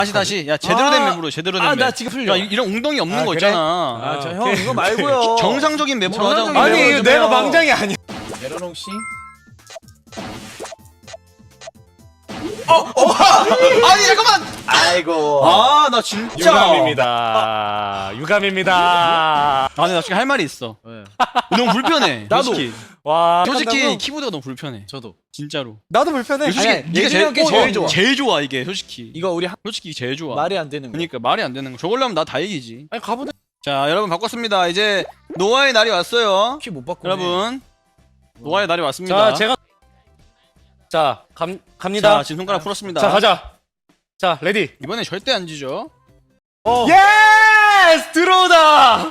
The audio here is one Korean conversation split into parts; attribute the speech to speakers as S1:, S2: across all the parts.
S1: 다시 야 제대로 된 맵으로 제대로 된 맵.
S2: 나 지금 풀려.
S1: 야 이런 웅덩이 없는 거
S2: 그래?
S1: 있잖아.
S2: 저 형 이거 말고요.
S1: 정상적인 맵으로 하자고.
S2: 정상적인
S3: 아니
S2: 맵으로
S3: 이거 내가
S2: 해요.
S3: 망장이 아니야.
S2: 에러롱 씨.
S1: 아니 잠깐만.
S2: 아이고.
S1: 아 나 진짜.
S3: 유감입니다. 유감입니다.
S1: 아니 나 지금 할 말이 있어.
S2: 네.
S1: 너무 불편해.
S2: 나도.
S1: 솔직히.
S3: 와.
S1: 솔직히
S3: 한다고?
S1: 키보드가 너무 불편해.
S2: 저도.
S1: 진짜로.
S3: 나도 불편해.
S1: 솔직히
S2: 아니,
S1: 네가
S2: 예준이 형께 제일 좋아.
S1: 제일 좋아 이게 솔직히.
S2: 이거 우리
S1: 솔직히 제일 좋아.
S2: 말이 안 되는 거.
S1: 그러니까 말이 안 되는 거. 저걸로 하면 나 다 이기지.
S2: 아니 가보자.
S1: 자 여러분 바꿨습니다. 이제 노아의 날이 왔어요.
S2: 키 못 바꾸네.
S1: 여러분 노아의 날이 왔습니다.
S3: 자 제가 갑니다.
S1: 자 지금 손가락 풀었습니다.
S3: 자 가자. 자 레디.
S1: 이번에 절대 안 지죠.
S3: 예스 들어오다.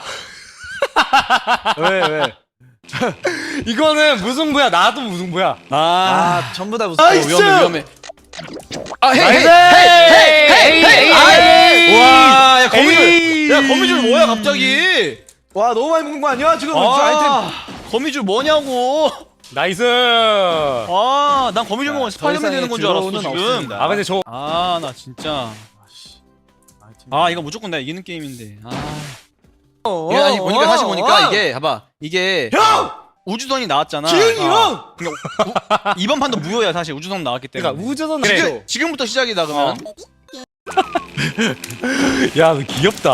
S2: 왜?
S3: 이거는 무승부야. 나도 무승부야.
S2: 아 전부 다 무슨.
S3: 나이스!
S1: 위험해. 아
S3: 나이스!
S1: 헤이. 와, 야
S3: 에이!
S1: 거미줄. 야 거미줄 뭐야 갑자기?
S2: 와 너무 많이 먹는 거 아니야? 지금 아이템.
S1: 아 거미줄 뭐냐고.
S3: 나이스.
S1: 아, 난 거미줄 먹으면
S2: 더
S1: 스파이더맨
S2: 이상의
S1: 되는 건 줄 알았어
S2: 드로우는
S1: 지금.
S2: 없습니다.
S3: 아 근데 저
S1: 아, 나 진짜. 아, 이거 무조건 내가 이기는 게임인데. 아. 이게 아니 보니까 다시 보니까 이게 봐봐. 이게
S2: 형!
S1: 우주선이 나왔잖아.
S2: 기흥이 형!
S1: 그러니까 이번 판도 무효야 사실 우주선 나왔기 때문에.
S3: 그러니까 우주선
S1: 지금, 지금부터 시작이다 그러면.
S3: 야, 너 귀엽다.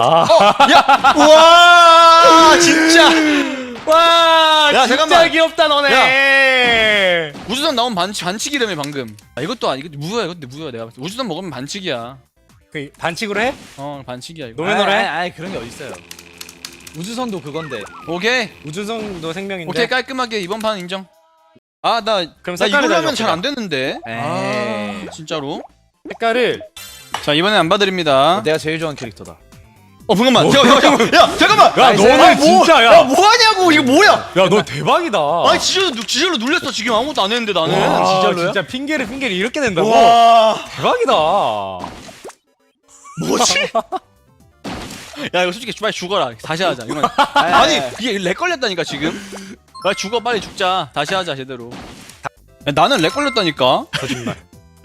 S1: 와 진짜.
S3: 와,
S1: 야,
S3: 진짜
S1: 잠깐만.
S3: 귀엽다 너네.
S1: 우주선 나온 반칙이라며 방금. 아, 이것도 무효야. 이것도 무효야 내가 봤을 때. 우주선 먹으면 반칙이야.
S3: 그 반칙으로 해?
S1: 반칙이야 이거.
S3: 노래 노래.
S2: 아이 그런 게 어딨어요. 우주선도 그건데.
S1: 오케이.
S3: 우주선도 생명인데.
S1: 오케이 깔끔하게 이번 판 인정. 아 나
S3: 그럼
S1: 나
S3: 색깔을
S1: 이걸로 하면
S3: 다
S1: 잘 안 되는데.
S2: 에이.
S1: 아 진짜로.
S3: 색깔을
S1: 자 이번엔 안 봐드립니다.
S2: 내가 제일 좋아하는 캐릭터다.
S1: 잠깐만. 야 잠깐만.
S3: 야, 너는 진짜 야.
S1: 야 뭐하냐고 이거 뭐야?
S3: 야, 너 대박이다.
S1: 아니 지절로 눌렸어 지금 아무것도 안 했는데 나는.
S3: 와,
S2: 진짜로요?
S3: 진짜 핑계를 이렇게 낸다고?
S1: 와
S3: 대박이다.
S1: 뭐지? 야 이거 솔직히 빨리 죽어라. 다시 하자. 이건 아니 이게 렉 걸렸다니까 지금. 빨리 죽어 빨리 죽자. 다시 하자 제대로. 야, 나는 렉 걸렸다니까.
S3: 거짓말.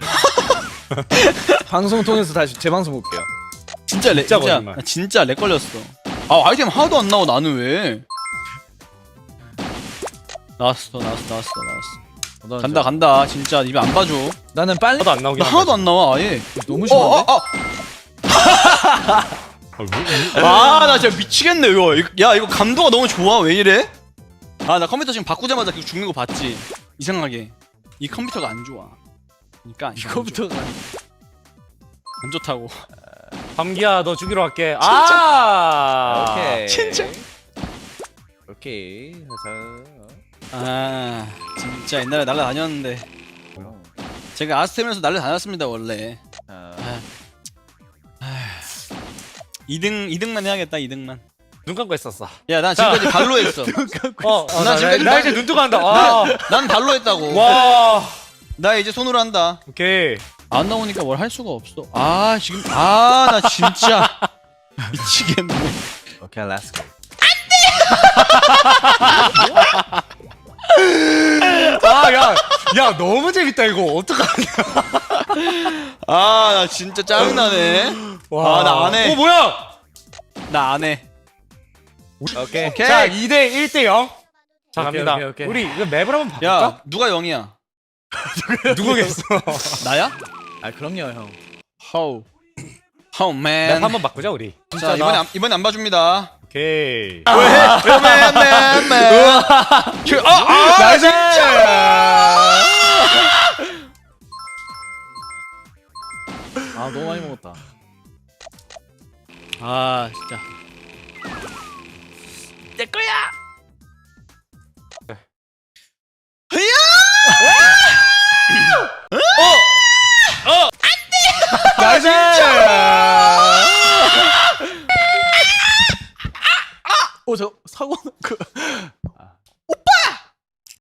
S2: 방송 통해서 다시 재방송 볼게요.
S1: 진짜 렉
S3: 진짜
S1: 진짜
S3: 거짓말.
S1: 나 진짜 렉 걸렸어. 아 아이템 하나도 안 나와 나는 왜? 나왔어. 간다 진짜 입에 안 봐줘.
S2: 나는 빨리.
S3: 하나도 안 나오긴
S1: 나 하나도 안 나와 아예.
S2: 너무 심한데?
S1: 아 나 진짜 미치겠네 이거. 야 이거 감도가 너무 좋아 왜 이래? 아 나 컴퓨터 지금 바꾸자마자 계속 죽는 거 봤지? 이상하게 이 컴퓨터가 안 좋아. 그러니까 안 좋아.
S2: 이거부터가.
S1: 안 좋다고.
S3: 밤기야, 너 죽이러 갈게. 아,
S2: 오케이.
S1: 진짜.
S2: 오케이.
S1: 아 진짜 옛날에 날라다녔는데 제가 아스템에서 날라다녔습니다 원래. 2등만 해야겠다 2등만.
S3: 눈 감고 했었어.
S1: 야 난 지금까지 발로 했어.
S3: 나
S1: 지금까지
S3: 나 이제 눈 뜨고 한다. 아,
S1: 난 발로 했다고.
S3: 와,
S1: 나 이제 손으로 한다.
S3: 오케이.
S1: 안 나오니까 뭘 할 수가 없어. 아 지금 나 진짜 미치겠네.
S2: 오케이, 렛츠 고.
S3: 아, 야, 너무 재밌다 이거. 어떡하냐?
S1: 나 진짜 짜증나네.
S3: 와,
S1: 나 안 해.
S3: 뭐야?
S1: 나 안 해.
S2: 오케이.
S1: 오케이.
S3: 자, 2대 1대 0. 자,
S2: 오케이,
S3: 갑니다.
S2: 오케이.
S3: 우리 이거 맵을 한번 바꿀까?
S1: 야 누가 0이야?
S3: 누구겠어?
S1: 나야?
S2: 아 그럼요 형.
S1: How? How man?
S3: 맵 한번 바꾸자 우리.
S1: 자 이번에 안 봐줍니다.
S3: 오케이.
S1: 맨.
S3: 나
S1: 진짜.
S2: 아 너무 많이 먹었다.
S1: 아 진짜. 내 거야.
S3: 나 진짜.
S2: 저 사고 그